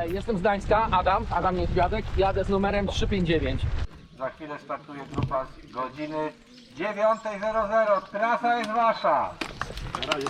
Jestem z Gdańska, Adam Niedźwiadek, jadę z numerem 359. Za chwilę startuje grupa z godziny 9:00. Trasa jest wasza. Na razie.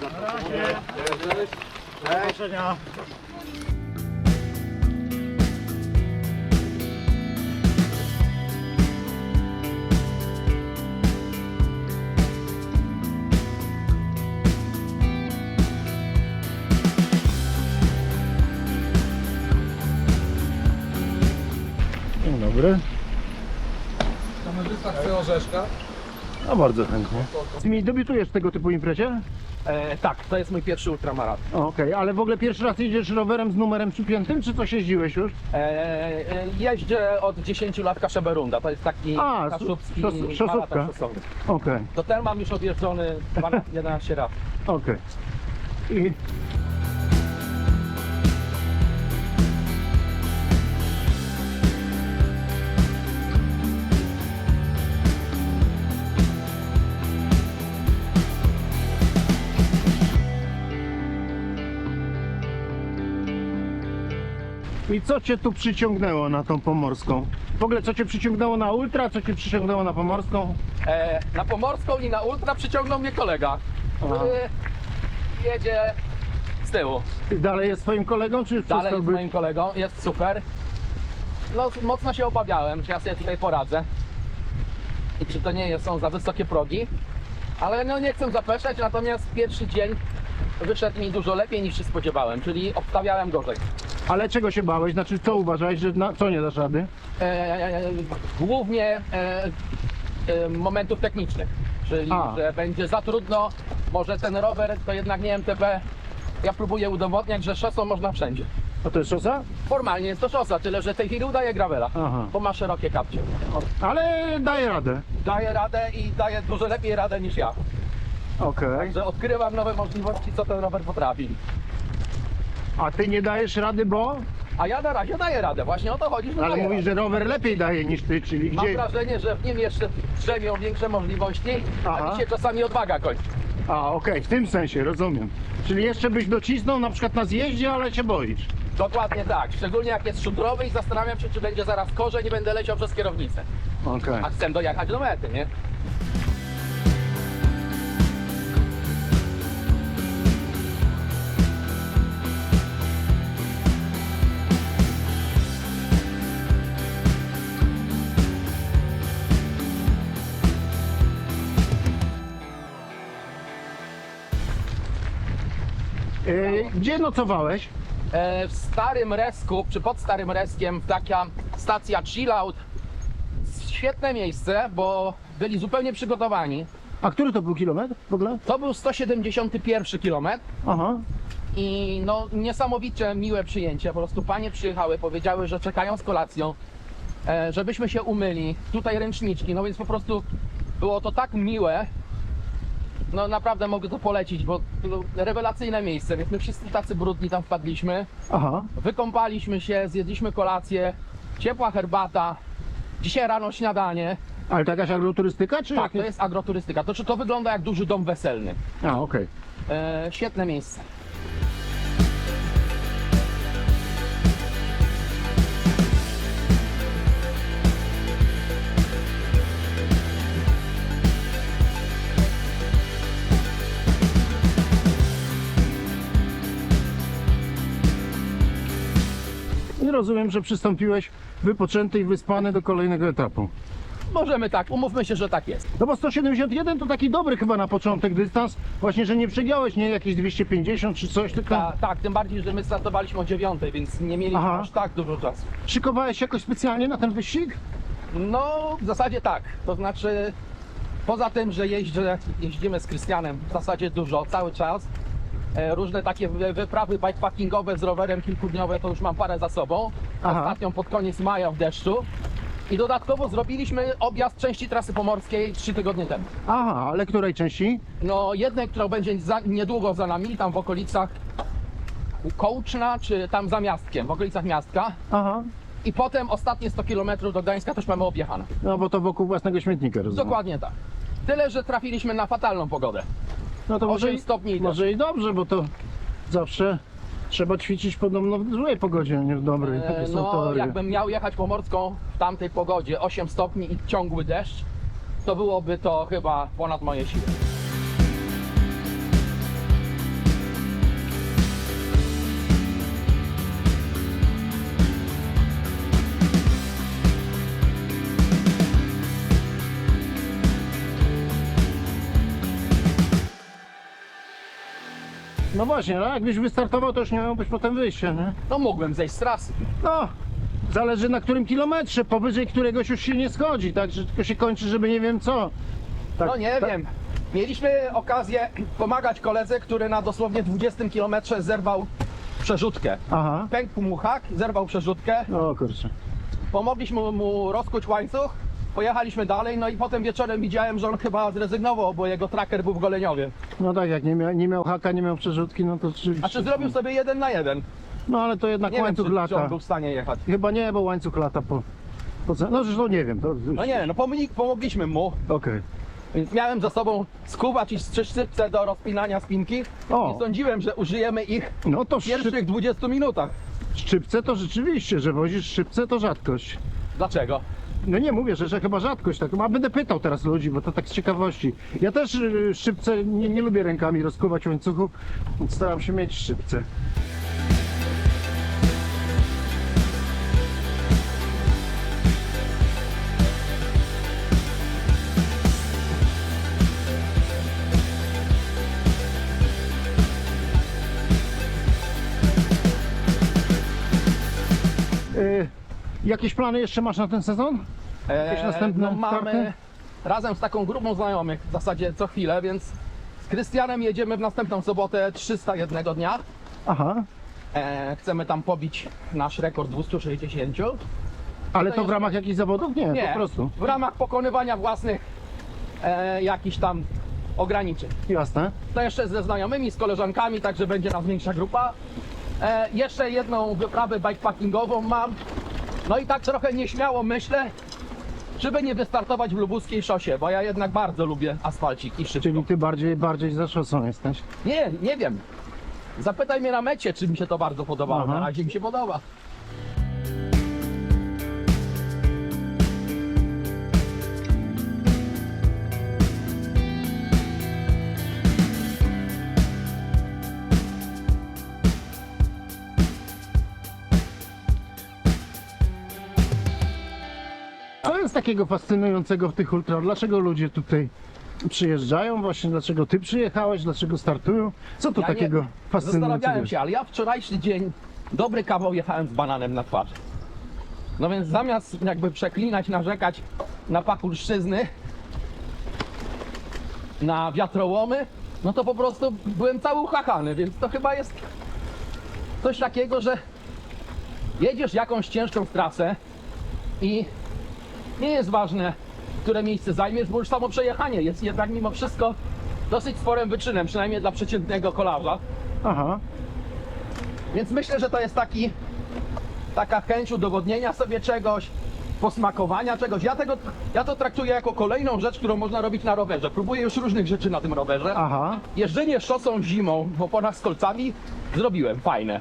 Dzień dobry. Kamerzysta chce orzeszka. No bardzo chętnie. Ty mi debiutujesz w tego typu imprezie? Tak, to jest mój pierwszy ultramarat. Okej, ale w ogóle pierwszy raz jedziesz rowerem z numerem przypiętym, czy coś jeździłeś już? Jeżdżę od 10 lat Kaszeberunda, to jest taki kaszubski szosówka. maraton szosowy. Okej, Do ten mam już odjeżdżony 11 razy. okej. I I co cię tu przyciągnęło na tą pomorską? W ogóle co cię przyciągnęło na ultra, co cię przyciągnęło na pomorską? Na Pomorską i na ultra przyciągnął mnie kolega, który jedzie z tyłu. I dalej jest twoim kolegą, czy już Dalej przestał jest być? moim kolegą, jest super. No mocno się obawiałem, czy ja sobie tutaj poradzę. I czy to nie są za wysokie progi. Ale no nie chcę zapeszać, natomiast pierwszy dzień wyszedł mi dużo lepiej niż się spodziewałem, czyli obstawiałem gorzej. Ale czego się bałeś? Znaczy co uważałeś, że co nie dasz rady? Głównie momentów technicznych, czyli że będzie za trudno, może ten rower to jednak nie MTB. Ja próbuję udowodniać, że szosą można wszędzie. A to jest szosa? Formalnie jest to szosa, tyle że w tej chwili udaje gravela, Aha. bo ma szerokie kapcie. Ale daje radę. Daje radę i daje dużo lepiej radę niż ja. Okej. Że odkrywam nowe możliwości, co ten rower potrafi. A ty nie dajesz rady, bo? A ja na razie daję radę, właśnie o to chodzi, że Ale daję mówisz, radę. że rower lepiej daje niż ty, czyli Mam gdzie? wrażenie, że w nim jeszcze drzemią większe możliwości, Aha. a mi się czasami odwaga kończy. A okej, w tym sensie, rozumiem. Czyli jeszcze byś docisnął na przykład na zjeździe, ale się boisz. Dokładnie tak, szczególnie jak jest szutrowy i zastanawiam się, czy będzie zaraz korzeń i będę leciał przez kierownicę. Okej. A chcę dojechać do mety, nie? Gdzie nocowałeś? W Starym Resku, czy pod Starym Reskiem, taka stacja chillout. Świetne miejsce, bo byli zupełnie przygotowani. A który to był kilometr w ogóle? To był 171 km Aha. i no niesamowicie miłe przyjęcie. Po prostu panie przyjechały, powiedziały, że czekają z kolacją, żebyśmy się umyli. Tutaj ręczniczki, no więc po prostu było to tak miłe. No naprawdę mogę to polecić, bo to rewelacyjne miejsce, więc my wszyscy tacy brudni tam wpadliśmy. Aha. Wykąpaliśmy się, zjedliśmy kolację, ciepła herbata, dzisiaj rano śniadanie. Ale to jakaś agroturystyka, czy Tak, to jakieś? jest agroturystyka. To wygląda jak duży dom weselny. A, okej. Świetne miejsce. I rozumiem, że przystąpiłeś wypoczęty i wyspany do kolejnego etapu. Możemy tak, umówmy się, że tak jest. No bo 171 to taki dobry chyba na początek dystans. Właśnie, że nie przegiąłeś, nie jakieś 250 czy coś, tylko Tak, tym bardziej, że my startowaliśmy o 9, więc nie mieliśmy Aha. aż tak dużo czasu. szykowałeś się jakoś specjalnie na ten wyścig? No, w zasadzie tak. To znaczy, poza tym, że jeździmy z Krystianem w zasadzie dużo, cały czas. Różne takie wyprawy bikepackingowe z rowerem kilkudniowe to już mam parę za sobą. Aha. Ostatnią pod koniec maja w deszczu. I dodatkowo zrobiliśmy objazd części trasy pomorskiej 3 tygodnie temu. Aha, ale której części? No jednej, która będzie niedługo za nami, tam w okolicach Kołczna, czy tam za Miastkiem, w okolicach Miastka. Aha. I potem ostatnie 100 km do Gdańska też mamy objechane. No bo to wokół własnego śmietnika, rozumiem. Dokładnie tak. Tyle, że trafiliśmy na fatalną pogodę. No to 8 stopni i może i dobrze, bo to zawsze Trzeba ćwiczyć podobno w złej pogodzie, a nie w dobrej. Takie są No, teorie. jakbym miał jechać pomorską w tamtej pogodzie, 8 stopni i ciągły deszcz, to byłoby to chyba ponad moje siły. No właśnie, no jakbyś wystartował, to już nie miałbyś potem wyjścia, nie? No mógłbym zejść z trasy. No, zależy na którym kilometrze, powyżej któregoś już się nie schodzi, tak, że tylko się kończy, żeby nie wiem co. Tak, No nie tak. wiem. Mieliśmy okazję pomagać koledze, który na dosłownie 20 km zerwał przerzutkę. Aha, Pękł mu hak, zerwał przerzutkę. o kurczę. Pomogliśmy mu rozkuć łańcuch, pojechaliśmy dalej, no i potem wieczorem widziałem, że on chyba zrezygnował, bo jego tracker był w Goleniowie. No tak, jak nie miał haka, nie miał przerzutki, no to rzeczywiście. A czy zrobił sobie 1 na 1? No ale to jednak Nie wiem, łańcuch czy on lata. był w stanie jechać. Chyba nie, bo łańcuch lata no zresztą nie wiem, to... No nie, no pomogliśmy mu, Okej. więc miałem ze sobą skubacz i szczypce do rozpinania spinki O. i sądziłem, że użyjemy ich No to w pierwszych 20 minutach. szczypce to rzeczywiście, że wozisz szczypce to rzadkość. Dlaczego? No nie mówię, że chyba rzadkość, tak, a będę pytał teraz ludzi, bo to tak z ciekawości. Ja też szczypce nie lubię rękami rozkuwać łańcuchów, więc staram się mieć szczypce. Jakieś plany jeszcze masz na ten sezon? Jakieś następne no mamy starty? razem z taką grupą znajomych w zasadzie co chwilę, więc z Krystianem jedziemy w następną sobotę 301 dnia. Aha, Chcemy tam pobić nasz rekord 260. ale To to w jest- ramach jakichś zawodów? Nie, Nie, po prostu. w ramach pokonywania własnych jakichś tam ograniczeń. Jasne. To jeszcze ze znajomymi, z koleżankami, także będzie nas większa grupa. Jeszcze jedną wyprawę bikepackingową mam. No i tak trochę nieśmiało myślę, żeby nie wystartować w lubuskiej szosie, bo ja jednak bardzo lubię asfalcik i szybko. Czyli ty bardziej za szosą jesteś. Nie wiem. Zapytaj mnie na mecie, czy mi się to bardzo podobało. Aha. Na razie mi się podoba. Co jest takiego fascynującego w tych ultra? Dlaczego ludzie tutaj przyjeżdżają? Właśnie dlaczego ty przyjechałeś? Dlaczego startują? Co tu Ja nie- takiego fascynującego Zastanawiałem jest? się, ale ja wczorajszy dzień dobry kawał jechałem z bananem na twarz. No więc zamiast jakby przeklinać, narzekać na pachulszczyzny, na wiatrołomy, no to po prostu byłem cały uchachany, więc to chyba jest coś takiego, że jedziesz jakąś ciężką trasę i nie jest ważne, które miejsce zajmiesz, bo już samo przejechanie jest jednak mimo wszystko dosyć sporym wyczynem, przynajmniej dla przeciętnego kolarza. Aha, Więc myślę, że to jest taka chęć udowodnienia sobie czegoś, posmakowania czegoś. Ja to traktuję jako kolejną rzecz, którą można robić na rowerze. Próbuję już różnych rzeczy na tym rowerze. aha. Jeżdżenie szosą zimą w oponach z kolcami zrobiłem, fajne.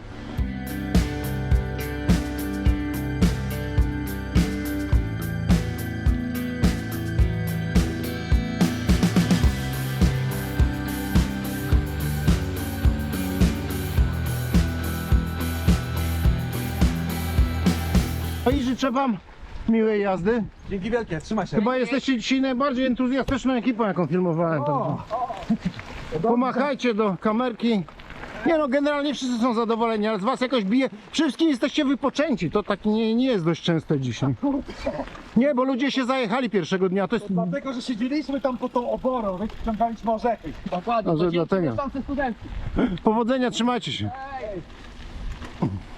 No i życzę wam miłej jazdy. Dzięki wielkie, trzymaj się. Chyba jesteście dzisiaj najbardziej entuzjastyczną ekipą, jaką filmowałem. Pomachajcie do kamerki. Nie no, generalnie wszyscy są zadowoleni, ale z was jakoś bije. Wszystkim jesteście wypoczęci. To tak nie jest dość częste dzisiaj. Nie, bo ludzie się zajechali pierwszego dnia. To jest... Dlatego, że siedzieliśmy tam pod tą oborą, wyciągaliśmy orzechy. Dokładnie, Może to dzięki dlatego. mieszkańcy studenci. Powodzenia, trzymajcie się. Ej.